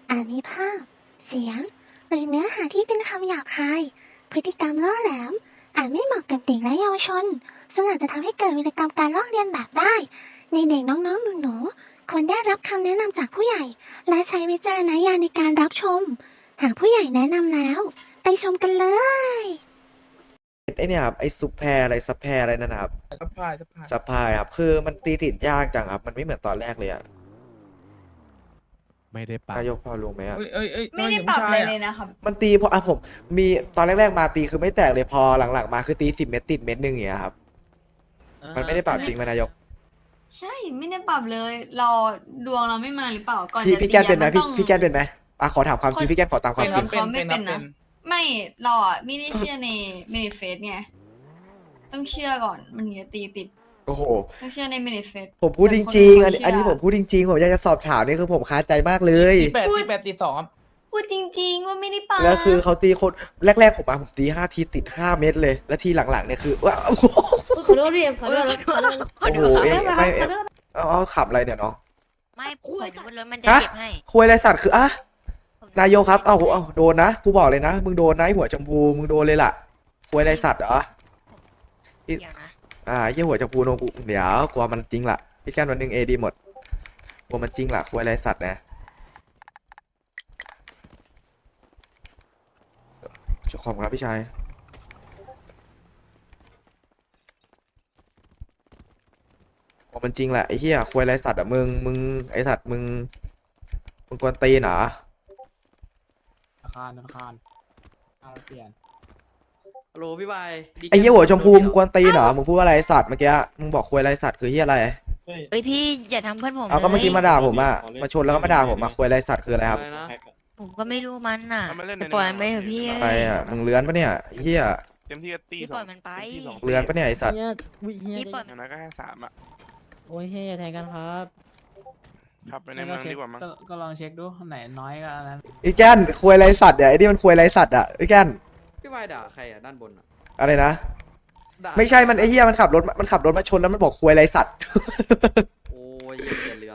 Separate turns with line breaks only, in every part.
มีภาพเสียงหรือเนื้อหาที่เป็นคำหยาบคายพฤติกรรมล่อแหลมอาจไม่เหมาะกับเด็กและเยาวชนซึ่งอาจจะทำให้เกิดวิกรรมการลอกเลียนแบบได้ในเด็กน้องๆหนูๆควรได้รับคำแนะนำจากผู้ใหญ่และใช้วิจารณญาณในการรับชมหากผู้ใหญ่แนะนำแล้วไปชมกันเลย
ไอเนี่ยครับไอซุปแพรอะไรซับแพรอะไรนั่นนะครับ
ซัพพลาย
ซับพลายครับคือมันตีติดยากจังครับมันไม่เหมือนตอนแรกเลยอะ
ไม่ได้ปะ
นายกพอรู้ไหมอะ
เอ้ย
ไม่ได้ปรับอะไรเลยนะครับ
มันตีพอผมมีตอนแรกๆมาตีคือไม่แตกเลยพอหลังๆมาคือตี10 เม็ดติดเม็ดหนึ่งอย่างเงี้ยครับมันไม่ได้ปรับจริงไหมนายก
ใช่ไม่ได้ปรับเลยเราดวงเราไม่มาหรือเปล่าก่อน
พี่
จะ
พี่
ตี
แกนเป็นไหม
อะ
พี่
ต้อง
พี่แกนเป็นไหมขอถามความจริงพี่แกนขอตามความจริง
เขาไม่เป็นนะไม่เราอ่ะไม่ได้เชื่อในเมนิเฟสไงต้องเชื่อก่อนมันถึงจะตีติด
โอ้โห
ต้องเชื่อในเมนิเฟส
ผมพูดจริงๆอันนี้ผมพูดจริงๆผมอยากจะสอบถามนี่คือผมคาใจมากเลย
ตี8 ตี 8 ตี 2ครับ
พูดจริง ๆ ว่าไม่ได้ปรับ
แล้วคือเขาตีคนแรกๆผมตี5 ทีติด5 เม็ดเลยแล้วทีหลังๆเนี่ยคือว้าวโอ้โห
ขอโทษพี่ขอโทษขอโทษ
โอ้โหไม่เอาขับอะไรเนี่ยน้อง
ไม่ผมนึกว่ารถมันจะ
ฮะ
เก็บให้
คุยอะไรสัตว์คืออะนายกครับเอาโดนนะกูบอกเลยนะมึงโดนนะไอ้หัวชมพูมึงโดนเลยล่ะคุยอะไรสัตว์เหรอ
เดี๋ยวนะ
ไอ้เหี้ยหัวชมพูโนกูเดี๋ยวกลัวมันจริงล่ะพี่แก้นวันหนึ่งเอดีหมดกลัวมันจริงล่ะคุยอะไรสัตว์นะขอบคุณครับพี่ชายกลัวมันจริงแหละไอ้เหี้ยคุยอะไรสัตว์อ่ะมึงไอ้สัตว์มึงกวนตีนเหรอ
อาคารเอาเปลี่ยน
ฮัลโหลพี่บาย
ไอ้เหี้ยหัวชมพูมึงกวนตีนเหรอมึงพูดว่าอะไรสัตว์เมื่อกี้มึงบอกคุยอะไรสัตว์คือเหี้ยอะไร
เอ้ยพี่อย่าทำเพื่อนผม
เอาก็เมื่อกี้
เลย
มาด่าผมอ่ะมาชนแล้วก็มาด่าผมมาคุยอะไรสัตว์คืออะไรครับ
อะไรนะ
ผมก็ไม่รู้มันน่ะไปปล่อยมันไปเถอะพี่
อะไรอ่ะมึงเลื้อนปะเนี่ยไอ้เหี้ย
เต็มที่ก็ตี
พี่
ส
ป
อ
ล่อง ยมันไป
เต็มที่2
เลื้อนปะเนี่ยไอ้สัตว์
พี่ปล่อย
อย่างนั้นก็แค่3อ่ะ
โอ้ยเฮียอย่าแทงกันครับ
ขับไปในเมืองดีกว่ามั้ง
ก็ลองเช็คดูไหนน้อยก็อันนั้น
ไอ้แก้นคุยอะไรสัตว์เนี่ยไอ้นี่มันคุยอะไรสัตว์อ่ะไอ้แก้น
พี่บายด่าใครอ่ะด้านบนอ่ะ
อะไรนะ
ด่า
ไม่ใช่มันไอ้เหี้ยมันขับรถมาชนแล้วมันบอกคุยอะไรสัตว์
โอ้ยเหี้ยเรือน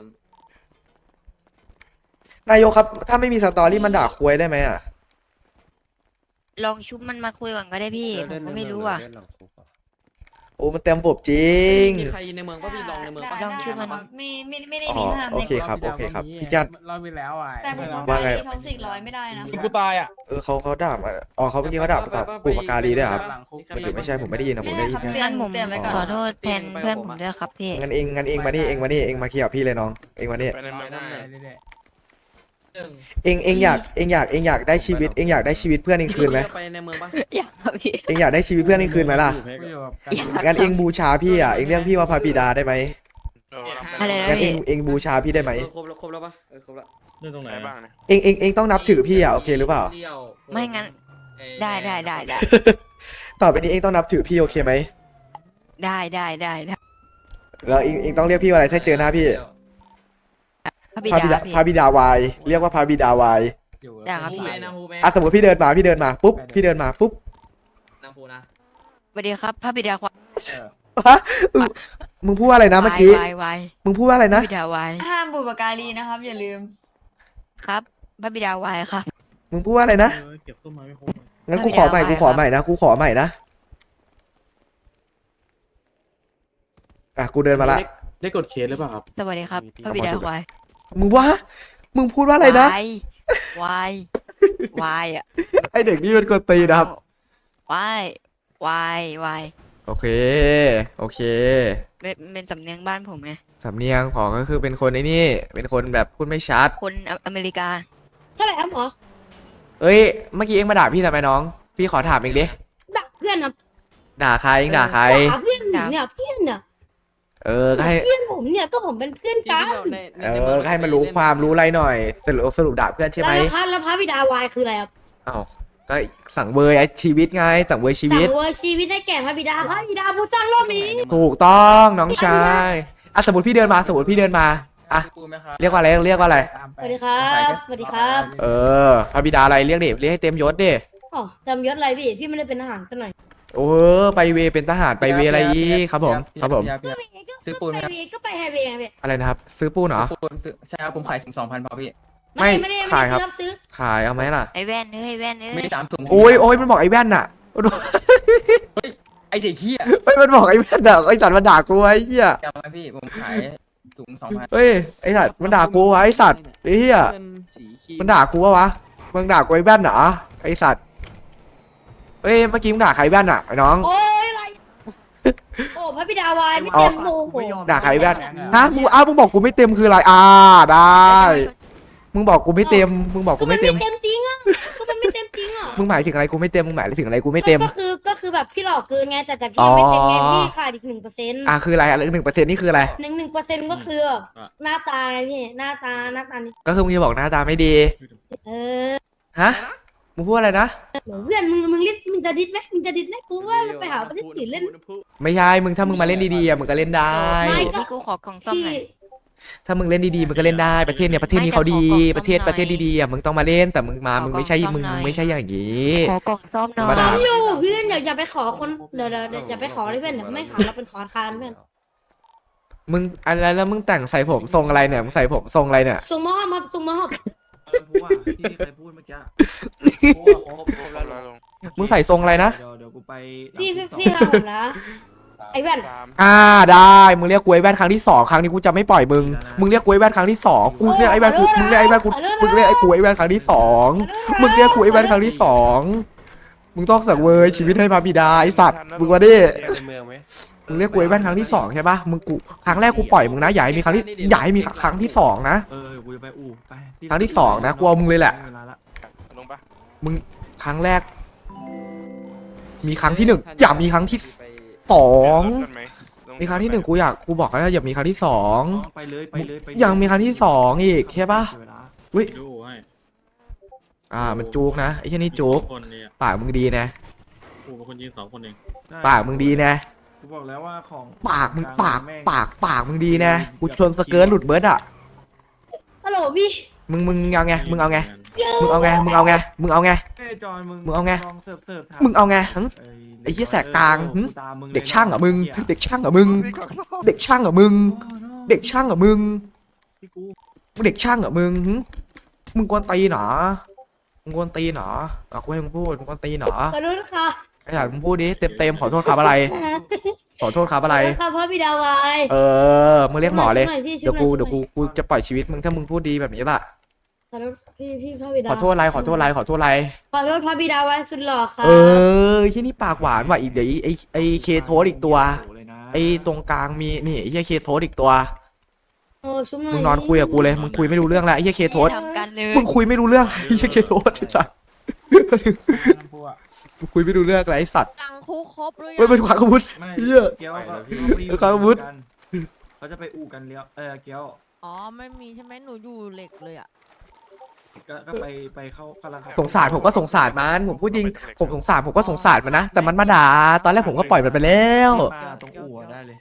นายกครับถ้าไม่มีสตอรี่มันด่าคุยได้ไหมอ่ะ
ลองชุบมันมาคุยก่อนก็ได้พี่ผมก็ไม่รู้อ่ะ
โอ้มันเต็มบบจริง
มีใครในเมืองป่ะพี่ลองในเมืองป่ะ
ลองชื่อมัน
ไม่ได้
อ๋อ
มีห้าม
โอ
ใน
เคครับโอเคครับพี่แก้น
รอบไปแล้วอ่ะ
แต่ผม
ว่าไง
ท็อกซิกร้อยไม่ได้นะ
กูตายอ่ะ
เขาด่ามาอ๋อเขาเมื่อกี้เขาด่าภาษาปู่ปากกาลีด้วยครับไม่ใช่ผมไม่ได้ยินนะผมได้ยิน
เตื
นะ
อน
ผม
เตือนไว้ก่อน
ขอโทษแทนเพื่อนผมด้วยครับพี่
งั้นเองมานี่เองมาเคลียร์กับพี่เลยน้องเองมานี่
ไปในเมืองนั่นแหละ
เรื่อย
เองอยากได้ชีวิตเองอยากได้ชีวิตเพื่อนเองคืนไหม
ไปในเมืองป่ะ
อยากครับพี่
เองอยากได้ชีวิตเพื่อนเองคืนไหมล่ะ
ๆกูอยู่กับ
งั้นเองบูชาพี่อ่ะเองเรียกพี่ว่าพระบิดาได้ไหม
อะไรนะ
งั้นเอ
พี่
งบูชาพี่ได้ไหม
ครบแล้วป่ะครบแล้ว
เรื่องตรงไหนบ้างเนี่ย
เองต้องนับถือพี่อ่ะโอเคหรือเปล่า
ไม่งั้นได้ได้
ต่อไปนี้เองต้องนับถือพี่โอเคไหม
ได้
แล้วเองต้องเรียกพี่ว่าอะไรถ้าเจอหน้าพี่
พระบิ
พระ
ดา
บิดา
พี่
พระบิดาวายเรียกว่าพระบิดาวาย
อยู่
ได้ครับพี่
สมมติพี่เดินมาปุ๊บพี่เดินมาปุ๊บ
น้ำพูนะ
สวัสดีครับพระบิดาควาย
ฮะมึงพูดว่าอะไรนะเมื่อกี้
วาย
มึงพูดว่าอะไร
พ
นะ
ระบิดาวาย
ห้ามบุปการีนะครับ อย่าลืม
ครับพระบิดาวายครับ
มึงพูดว่าอะไรนะ
เก็บส้มมาไม่ครบ
งั้นกูขอใหม่นะกูขอใหม่นะกูเดินมาละ
ได้กดเคสหรือเปล่าครับ
สวัสดีครับพระบิดาควาย
มึงพูดว่าอะไรนะ
วายอ่ะ
ไอเด็กนี่มันกดตีนะครับ
วาย
โอเค
เป็นสำเนียงบ้านผมไง
สำเนียงของก็คือเป็นคนไอ้นี่เป็นคนแบบพูดไม่ชัด
คนอเมริกา
เท่าไหร่ครับหมอ
เอ้ยเมื่อกี้เอ็งมาด่าพี่ทำไมน้อง พี่ขอถามเองดิ
ด่าเพื่อนครับ
ด่าใครเอ็งด่าใคร
ด่าเพื่อนผมเนี่ยเพื่อนเนี่ย
ก็ให้
เพื่อนผมเนี่ยก็ผมเป็นเพื่อนกัน
ก็ให้มันรู้ความรู้อะไรหน่อยสรุปด่าเพื่อนใช่ไหม
แล้วพระบิดาวายคืออะไรครับ
อ้าวก็สั่งเวยชีวิตไงสั่งเวยชีวิต
สั่งเวอร์ชีวิตให้แก่พระบิดาผู้สร้างโลกนี้
ถูกต้องน้องชายสมมติพี่เดินมาอ่ะ
ปูไหมครับ
เรียกว่าอะไร
สวัสดีครับสวัสดีครับ
พระบิดาอะไรเรียกให้เต็มยศดิ
อ๋อจำยศอะไรพี่ไม่ได้เป็นทหารกันหน่อย
ไปเวเป็นทหารไปเวอะไรอีกครับผม
ซื้อปูนไหมครับ
ก็ไปไฮเวย์ไงพี่
อะไรนะครับ ซื้อปูนเหรอ
ปูนซื้อใช่ครับผมขายถึง 2,000พอพี่
ไม่
ไม่ได้
ขายครับ
ซื้อ
ขายเอาไหมล่ะ
ไอ้แว่นเอ้ยไอ้แว่นเอ้ย
มี3 ถุง
โอ้ยมันบอกไอ้แว่นน่ะ
ไอเด็กเหี้ย
เฮ้ยมันบอกไอ้แว่นน่ะไอ้สัตว์มันด่ากูไอ้เหี้ย
จำไหมพี่ผมขายถุง2,000
เฮ้ยไอ้สัตว์มันด่ากูวะไอ้สัตว์ไอ้เหี้ย
เงินสีครีม
มันด่ากูวะมึงด่ากูไอ้แว่นเหรอไอ้สัตว์เฮ้ยเมื่อกี้มึงด่าใครแว่นอ่ะไอ้น้อง
โอ้ยอะไรโอ้พระบิดาวายไม่เต็มโมโห
ด่าใครแว่นฮะมึงบอกกูไม่เต็มคืออะไรได้มึงบอกกูไม่เต็มมึงบอกกูไม่เต็ม
เต็มจริงอ่ะก็มันไม่เต็มจริงอ่ะ
มึงหมายถึงอะไรกูไม่เต็มมึงหมายถึงอะไรกูไม่เต็ม
ก็คือแบบพี่หลอกเกินไงแต่พี่ไม่เต็มไงพี่ขาดอีก1%
คืออะไรอะไร1%นี่คืออะไร
1%ก็คือแบบหน้าตาไงพี่หน้าตานี่
ก็คือมึงจะบอกหน้าตาไม่ดี
เออ
ฮะมึงพูดอะไรนะ
เพื่อนมึงมึงจะดิดไหมกูว่าไปหาประเทศอื่นเล่น
ไม่ใช่มึงถ้ามึงมาเล่นดีๆอ่ะมึงก็เล่นได้
ไม่
พี่กูขอกล่องซ่อม
พี่
หน่อย
ถ้ามึงเล่นดีๆมึงก็เล่นได้ประเทศเนี้ยประเทศนี้เขาดี
ไม่แต่ขอกล่อง
ประเทศ
ซ่อมหน่อย
ประเทศดีๆอ่ะมึงต้องมาเล่นแต่มึงมา
ขอ
มึงไม่ใช่
กล่องซ่อม
มึง
หน่อย
ไม่ใช่อย่างนี้
ขอกล่องซ่อมหน่อ
ธรรมดา
ย
อยู่เพื่อนอย่าไปขอคนเดี๋ยวอย่าไปขอเลยเพื่อนเดี๋ยวไม่หาเราเป็นขอทานเพื่อน
มึงอะไรแล้วมึงแต่งใส่ผมทรงอะไรเนี่ยมึงใส่ผมทรงอะไรเนี่ย
ส่งมามาส่งมา
ผู้ว่าที่ใครพูดเมื่อกี้
ครบแล้วลุง
มึงใส่ทรงอะไรนะ
เดี๋ยวกูไป
พี่ทำผมนะไอ้แว่น
ได้มึงเรียกกูไอ้แว่นครั้งที่2ครั้งนี้กูจะไม่ปล่อยมึงมึงเรียกกูไอ้แว่นครั้งที่2กูเรียกไอ้แว่นกูมึงเรียกไอ้แว่นกูมึงเรียกไอ้กูไอ้แว่นครั้งที่2มึงเรียกกูไอ้แว่นครั้งที่2มึงต้องสังเวยชีวิตให้พระบิดาไอ้สัตว์มึงวะดิ
ในเมืองไหม
มึงเรียกกูไอ้แว่นครั้งที่2ใช่ปะมึงกูครั้งแรกกูปล่อยมึงนะอย่าให้มีครั้งที่อย่าให้มีครั้งที่2นะ
กูจะไปอู่ไป
ครั้งที่2นะกูเอามึงเลยแหละ
ลงปะ
มึงครั้งแรก มีครั้งที่1อย่ามีครั้งที่2มีครั้งที่1กูอยากกูบอกแล้วอย่ามีครั้งที่2
ไปเลยไป
ยังมีครั้งที่2อีกใช่ปะ อุ้ย
ดูให้
มันจุกนะไอ้เช่นนี่จุก
คนเนี่ย
ปากมึงดีนะ
กูเป็นคนยิง2 คนเอง
ปากมึงดีนะ
กูบอกแล้วว่าของ
ปากมึงปากมึงดีนะกูชนสเกิร์ตหลุดเบิร์ดอ่ะ
ฮัลโหลพี่
มึงเอาไงมึงเอาไงมึงเอาไงมึงเอาไงมึงเอาไง
เอ้ยจอนมึง
มึงเอาไง
ลองเสิร์ฟ
มึงเอาไงหึ ไอ้เหี้ยแสกกลางหึ เด็กช่างเหรอมึงเด็กช่างเหรอมึงเด็กช่างเหรอมึงเด็กช่างเหรอมึง
พี่กู
เด็กช่างเหรอมึงหึมึงกวนตีนเหรอมึงกวนตีนเหรอกูให้มึงพูดมึงกวนตีนเหรอ
ขอโทษค่ะ
ไอ้สัตว์มึงพูดดิเต็มขอโทษครับอะไร ขอโทษครับอะไร
ขอโทษค่ะพระบิดาวาย
มึงเรียกหมอเลย
ช่วหน่พี่
เดี๋ยว
ช่หน่อ
กูจะปล่อยชีวิตมึงถ้ามึงพูดดีแบบนี้ล่ะ
ขอโทษพี่พระบิดา
ขอโทษอะไรขอโทษอะไรขอโทษอะไร
ขอโทษพระบิดาวายสุดหล่อค่ะ
ที่นี่ปากหวานว่ะอีกเดี๋ยวไอ้เคโทสอีกตัว ไอ้ตรงกลางมีนี่ไอ้เหี้ยเคโทสอีกตัว
โอ้ชุบหน่อย
มึงนอนคุยกับกูเลยมึงคุยไม่รู้เรื่องแล้วไอ้เหี้ยเคโทส
ทำกันเลย
มึงคุยไม่รู้เรื่องไอ้เหี้ยเคโทสไอ้สัตว์มึงคุยไม่รู้เรื่องอะไรไอ้สัตว์
ตังคุกครบหรือ
เว้ย
ยัง
ไปขวางอาวุธ
ไม่
เหี้ย
เกี้ยวก็
ครับอาวุธ
เขาจะไปอู่กันเลี้ยวเกี้ยว
อ๋อไม่มีใช่ไหมหนูอยู่เหล็กเลยอ่ะ
ก็ไปเข้ากำลัง
สงสารผมก็สงสารมันผมพูดจริงผมสงสารผมก็สงสารมันนะแต่มันมาด่าตอนแรกผมก็ปล่อยมันไปแล้ว
มาตรงอู่ได้เลย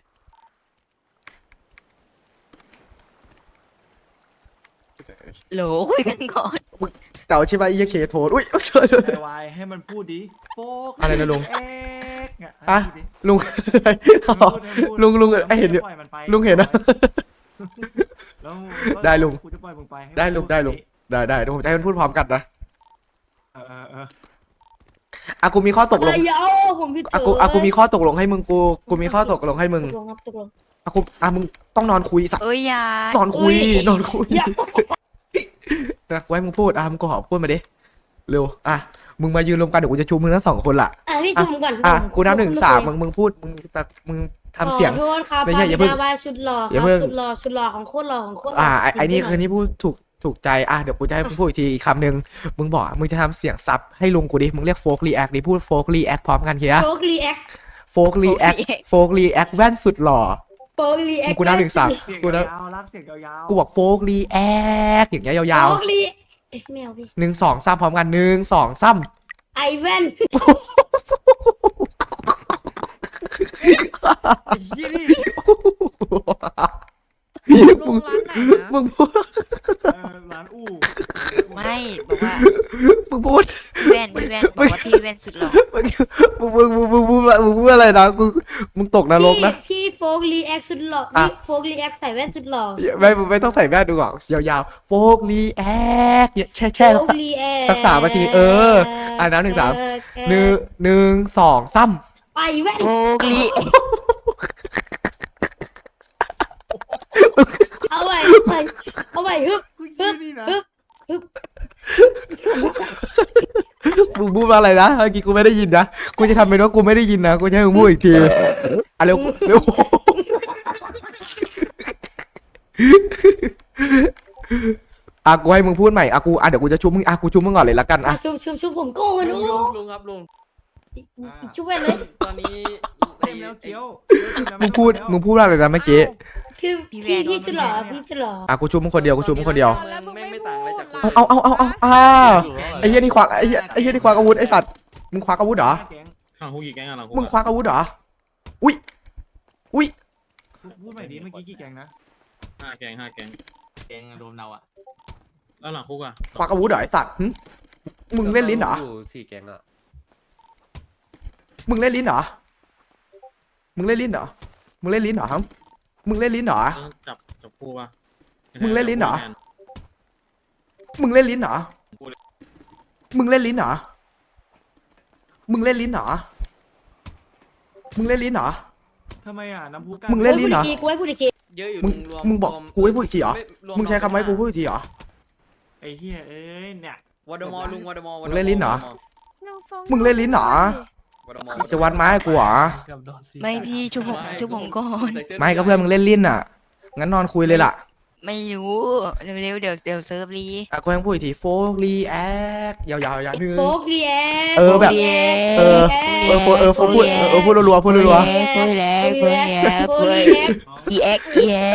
โหลคุยกันก่อน
เก่าใช่ไหมไอ้เหี้ยเคโทสอุ้ย
ไอวายให้มันพูดดิโป๊ก
อะไรนะลุง
เอ๊กเนี่ย
อะ ลุง ลุงเห็นอยู่ลุงเห็นนะ
แล้ว
ได้ลุง
กูจะปล่อยมึงไปให้
ได้ลุง
พู
ได้ลุง ได้เดี๋ยวผมจะให้มันพูดพร้อมกันนะ
เออ
กูมีข้อตกลง
อะไรเอาผมผิด
กูมีข้อตกลงให้มึงกูมีข้อตกลงให้มึง
ตกลงครับตกลง
มึงต้องนอนคุยสัตว์
เอ้ยอยาน
อนคุย
อุ๊ย
นอนคุย
อย่า
นะกูให้มึงพูดมึงก็ขอพูดมาดิเร็วมึงมายืนรวมกันเดี๋ยวกูจะชูมึงทั้ง2 คนล่ะ
พี่ชุมก่อน
กูนับ1 3มึงพูดมึงทำเสียง
ขอโทษครับ
ไม่ใช่อย่าเพิ่ง
พระบิดาวายสุดหล่อค
อย่า
รับ
เพิ่ง
สุดหล่อของโคตรหล่อของโคตรหล่อ
ไอ้นี่คือนี่พูดถูกใจเดี๋ยวกูจะให้มึงพูดอีกทีอีกคำหนึ่งมึงบอกมึงจะทำเสียงซับให้ลุงกูดิมึงเรียกโฟกรีแอคดิพูดโฟกรีแอคพร้อมกันเฮีย
โป๊กรีแอค
โฟกรีแอคแว่นสุดหล่อ
โป๊กรีแอค
กูนับ1 3
เสียง
กูนับ
ยาวๆรักเสียงยาวๆ
กูบอกโฟกรีแอคอย่างเงี้ยยาว
โป๊กรีแมวพี่
ๆ1 2 3พร้อมกัน1 2 3
ไอแว่น
ไอ้เหี้ยนี่
ลุงร้านไหนนะ
มึงพูด
ร้านอู่
ไม่บอกว่า
มึงพูด
พี่แว่นบอกว่าพี่แว่นสุดหล่อ
มึงพูดอะไรนะมึงตกนรกนะ
พี่โฟกรีแอคสุดหล่อ
อ่ะ
นี่โฟกรีแอคใส่แว่นสุดหล่อ
ไม่ต้องใส่แว่นดูหรอกยาวๆโฟกรีแอคแช่
โฟ
สัก
กรีแอค
สัก3 นาทีอ่ะนับ1 3 1 2 3
ไปแว่น
โอ้กลี
เอาไปฮึบ
กูขี้นี่นะ
มึงพูดว่าอะไรนะเมื่อกี้กูไม่ได้ยินนะกูจะทำเป็นว่ากูไม่ได้ยินนะกูจะให้มึงพูดอีกทีอ่ะเร็วอ่ะกูให้มึงพูดใหม่อ่ะกูเดี๋ยวกูจะชุบมึงอ่ะกูชุบมึงก่อนเลยละกันอ่ะ
ชุบผมก่อน
ลุ
ดู
งลุงครับลุง
ชุบแว่นเลย
ตอนนี้
เต็มแล้วเคี้ยว
มึงพูดว่าอะไรนะเมื่อกี้
คือพี่สุดหล่อพี่สุดหล่อ
อ่ะกูชุบมึงคนเดียวกูชุบมึงคนเดียว
ไม่ต่างอะไรจาก
เอาไอ้เหี้ยนี่ควักไอ้เหี้ยนี่ควักอาวุธไอ้สัตว์มึงควักอาวุธเหรอ
แก๊ง
หลังคุกกี่แก๊งอะหลังคุก
มึงควักอาวุธเหรออุ้ย
พูดใหม่ดิเมื่อกี้กี่แก๊งนะ
5 แก๊ง 5 แก๊ง
แกงรวมเราอ่ะ
แล้วหลังคุกอะ
ควักอาวุธเหรอไอ้สัตว์หึมึงเล่นลิ้นเหรอ
อยู่4 แกงอ่ะ
มึงเล่นลิ้นเหรอมึงเล่นลิ้นเหรอมึงเล่นลิ้นเหรอครับมึงเล่นลิ้นเหรอ
จับคู่ปะ
มึงเล่นลิ้นเหรอ มึงเล่นลิ้นเหรอมึงเล่นลิ้นเหรอมึงเล่นลิ้นเหรอมึงเล่นลิ้นเหรอ
ทำไมอ่ะน้ำพุก
มึงเล่นลิ้นเหรอ
กูให้พูดอีกที
เยอะอยู่
มึงบอกกูให้พูดอีกทีเหรอมึงใช้คำว่าให้กูพูดอีกทีเหรอ
ไอ้เหี้ยเอ้ยเนี่ย
วอดมอลุงวอดมอ
มึงเล่นลิ้นเหรอ
น้องฟง
มึงเล่นลิ้นเหรอ
วอดมอ
จะวัดไม้ให้กูเหรอ
เกือบโดน4
ไม่พี่ชุบผมก่อน
ไม่ก็เพื่อนมึงเล่นลิ้นอ่ะงั้นนอนคุยเลยล่ะ
ไม่รู้เร็วๆเดี๋ยวเซิร์ฟรี
อ่ะกูให้มึงพูดอีกทีโฟกรีแอคยาวๆหนึ่ง
โฟกรีแอค
เออแบบ โฟพูดพูดรัวๆพูดรัว
คุยแล้วคุยแล้วคุยอีแอ็ก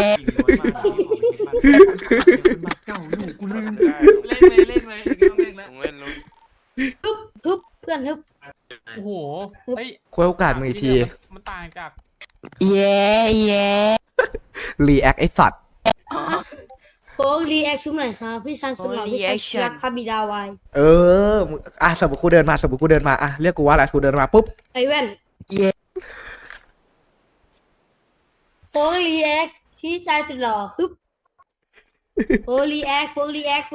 เจ้าลูกกูลืม
เล่นเลยต้องเล่นแล้วเล่นลุง
ฮึบเพื่อนฮึบ
โอ้โหเฮ้ย
ๆคุยโอกาสมึงอีกที
มันต่างจาก
เย้เย้
รีแอคไอสัตว์
โฟกรีแอคชุบหน่อยครับพี่ชันสุดหล่อพี่ชันรักพระบิดาไว
เออมึงอ่ะสมมติกูเดินมาอ่ะเรียกกูว่าอะไรกูเดินมาปุ๊บ
ไอแว่น
เย้
โฟกรีแอคชี้ใจสุดหล่อฮึบโฟกรีแอคชุบหน่อย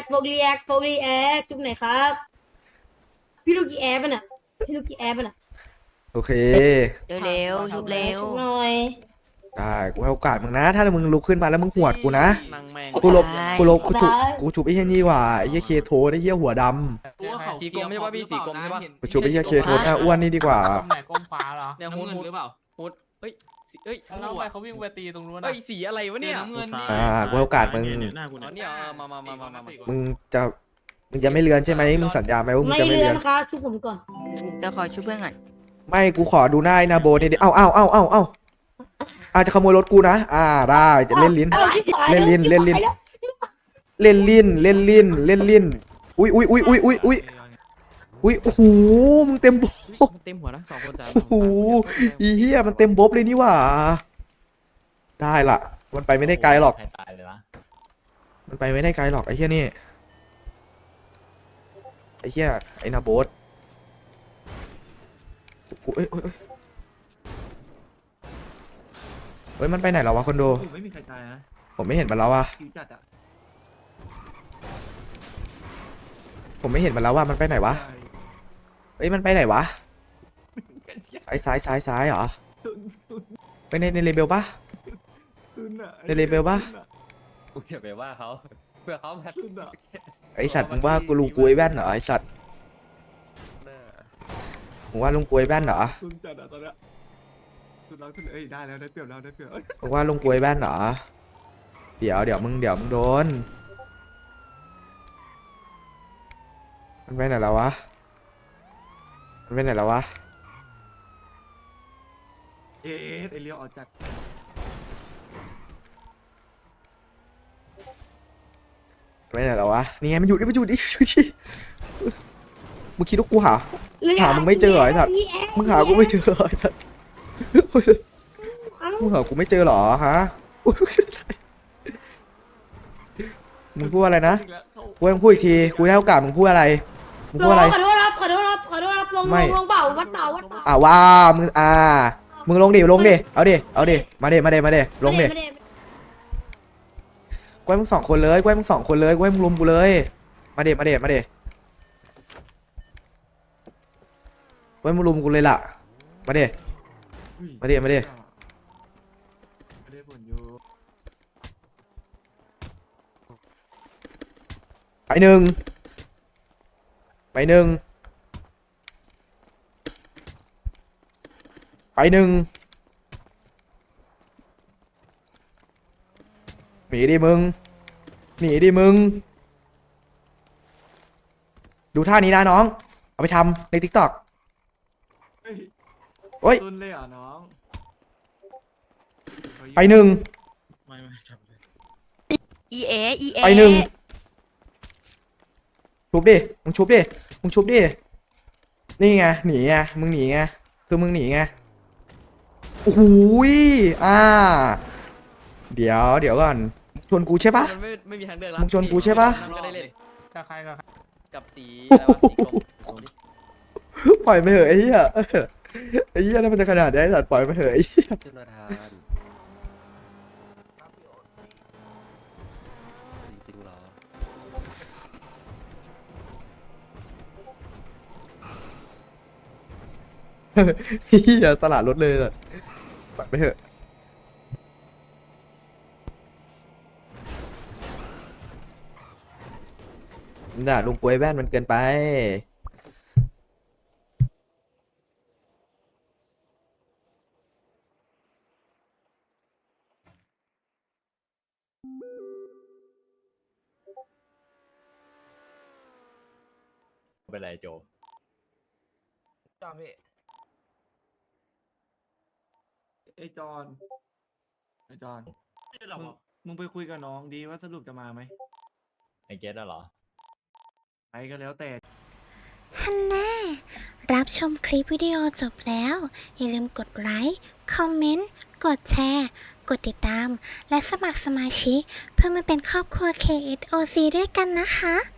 ครับพี่ลูกกี้แอปน่ะ
โอเค
เร็วชุบเร็ว
ชุบหน่อย
ได้กูให้โอกาสมึงนะ ถ้ามึงลุกขึ้นมาแล้วมึงหวดกูนะ
นั่งแม่ง
กูฉุบไอ้เหี้ยนี่ว่ะไอ้เหี้ยเคโทไอ้เหี้ยหัวด
สีกลมไม่ใช่ป่ะพี่สีกลมใช่ป่ะ
ำกูฉุบไอ้เหี้ยเคโทหน้าอ้วนนี่ดีกว่า
ตรงไหนก้มฟ้าเหรอ
เนี่ยฮูดหรือเปล่าฮูดเฮ้ยเฮ้ย
แล้วทำไมเขาวิ่งไปตีตรงนู้น
เฮ้
อะ
ยสีอะไรวะเนี่ย
กูให้โอกาสมึง
หน้ากู
อ๋อ
เนี่ย
เนี่ยมา
มึงจะไม่เลือนใช่ไหมมึงสัญญาไหมว่ามึง
ไม่
จะไม่
เลื
เลื
อ
อน น
ครับชุบผมก่อน
เดี๋ยวขอชุบเพื่อนก่อน
ไม่กูขอดูหน้าไอ้นาโบนี่ดิเอ้าอาจจะขโมยรถกูนะได้จะเล่นลิ้น เล่นลิ้นอุ้ยโอ้โหมึงเต็มโบ
เต็มหัวนะ2 คนจ้า
โอ้โหอีเหี้ยมันเต็มบบเลยนี่หว่าได้ละมันไปไม่ได้ไกลหรอก
ใครตายเลยวะ
มันไปไม่ได้ไกลหรอกไอ้เหี้ยนี่ไอ้เหี้ยไอ้นาโบสกูเฮ้ยมันไปไหนแล้ววะคอนโด
ไม่มีใครตายนะ
ผมไม่เห็นมันแล้วว่ะ
คิวจัดอ่ะ
ผมไม่เห็นมันแล้วว่ามันไปไหนวะเอ้ยมันไปไหนวะซ้ายเหรอไปในเลเบลปะ ในเลเวลปะ
กูเก็บไปว่าเขาเพื่อเขามา
ไอสัตว์มึงว่ากูลุงกล้วยแว่นเหรอไอสัตว์มึงว่าลุงกล้วยแว่นเหรอ
คุณจัดอ่ะตอนเนี้ยคุณรักคุณเอ้ยได้แล้วได้เปรียบแล้วได้เปรียบ
มึงว่าลุงกล้วยแว่นเหรอเดี๋ยวมึงโดนมันไปไหนแล้ววะเอ๊ะ
ไอเลี้ยวออกจาก
ไปไหนแล้ววะนี่ไงมันอยู่ดิมึงคิดว่ากูหามึงไม่เจอเหรอไอ้สัตว์มึงหากูไม่เจอเหรอไอ้สัตว์มึงหากูไม่เจอเหรอฮะมึงพูดอะไรนะกูให้มึงพูดอีกทีกูให้โอกาสมึงพูดอะไรมึงพูดอะไร
ขอโทษครับลงเบาวัดเต่า
ว่ามึงมึงลงดิเอาดิมาดิลงดิ
ไม่ได้
กล้วยมึงสองคนเลยกล้วยมึงลุมกูเลยมาดิกล้วยมึงลุมกูเลยล่ะมาดิ
อุ้ย
มาดิ
ไม่ได้ผลอยู่
ไปหนึ่งหนีดิมึงดูท่านี้นะน้องเอาไปทำใน TikTok
เฮ้ย
โอ๊ย
ตุนเลยเหรอน้อง
ไปหนึ่ง
ไม่จับเลย
อีเอ
ไปหนึ่งชุบดิมึงชุบดินี่ไงหนีไงมึงหนีไงคือมึงหนีไงโอ้โหยเดี๋ยวก่อนชวนกูใช่ปะ
มันไม่มีทางเลือกแล้ว
มึงชวนกูใช่ปะ
นั่นก็ได้เล่น
กับใคร
กับสีอะไรวะสีกรมลงดิ
ปล่อยไปเถอะไอ้เหี้ยไอ้เหี้ยนั่นมันจะขนาดนี้ไอ้สัตว์ปล่อยไปเถอะไอ้เหี้ย
จุลธานติงเหรอ
เหี้ยสลัดรถเลยสัตว์ปล่อยไปเถอะน่ะลุงกล้วยแว่นมันเกินไป
เป็นไรโจ
ไอ้จอนมึงไปคุยกับน้องดีว่าสรุปจะมาไหม
ไอเกตเหรอ
ไปก็แล้วแต่
ฮันน่ารับชมคลิปวิดีโอจบแล้ว อย่าลืมกดไลค์ คอมเมนต์ กดแชร์ กดติดตาม และสมัครสมาชิก เพื่อมาเป็นครอบครัว KSOC ด้วยกันนะคะ